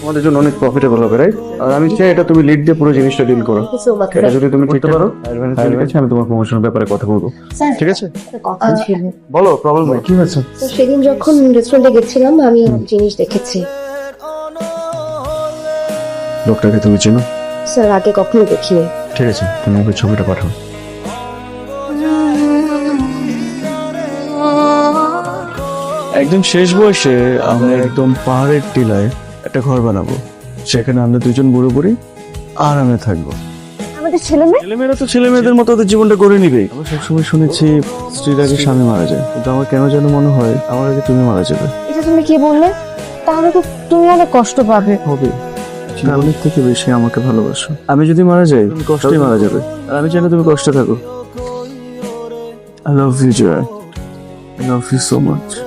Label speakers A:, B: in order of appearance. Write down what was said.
A: তোমাদের জন্য অনেক প্রফিটেবল হবে, রাইট? আর আমি চাই এটা তুমি লিড দিয়ে পুরো জিনিসটা ডিল করো। এটা যদি তুমি করতে পারো, ঠিক আছে, আমি তোমার প্রমোশনের ব্যাপারে কথা বলবো। ঠিক আছে,
B: কথা ছিল।
A: বলো, প্রবলেম কি হয়েছে?
B: তো সেদিন যখন রেস্টুরেন্টে গেছিলাম আমি জিনিস দেখেছি।
A: লোকটাকে তুমি চেনো?
B: স্যার আগে কখনো দেখিনি।
A: ঠিক আছে, তুমি ওকে ছবিটা পাঠাও। একদম শেষ বয়সে আমরা একদম পাহাড়ের টিলায় একটা ঘর বানাবো, সেখানে আমরা দুজন বুড়ো বুড়ি আরামে থাকবো।
B: আমাদের ছেলে মেয়ে
A: ছেলেমেয়েরা তো ছেলে মেয়েদের মতো ওদের জীবনটা গড়ে নিবে। আমি সবসময় শুনেছি স্ত্রীর আগে স্বামী মারা যায়, কিন্তু আমার কেন যেন মনে হয় আমার আগে তুমি মারা যাবে।
B: এটা তুমি কি বললে? তাহলে তো তুমি অনেক কষ্ট পাবে।
A: হবে, জীবনের থেকে বেশি আমাকে ভালোবাসো। আমি যদি মারা যাই তুমি কষ্টই মারা যাবে, আর আমি জানি তুমি কষ্টে থাকো। I love you, Joy. I love you so much.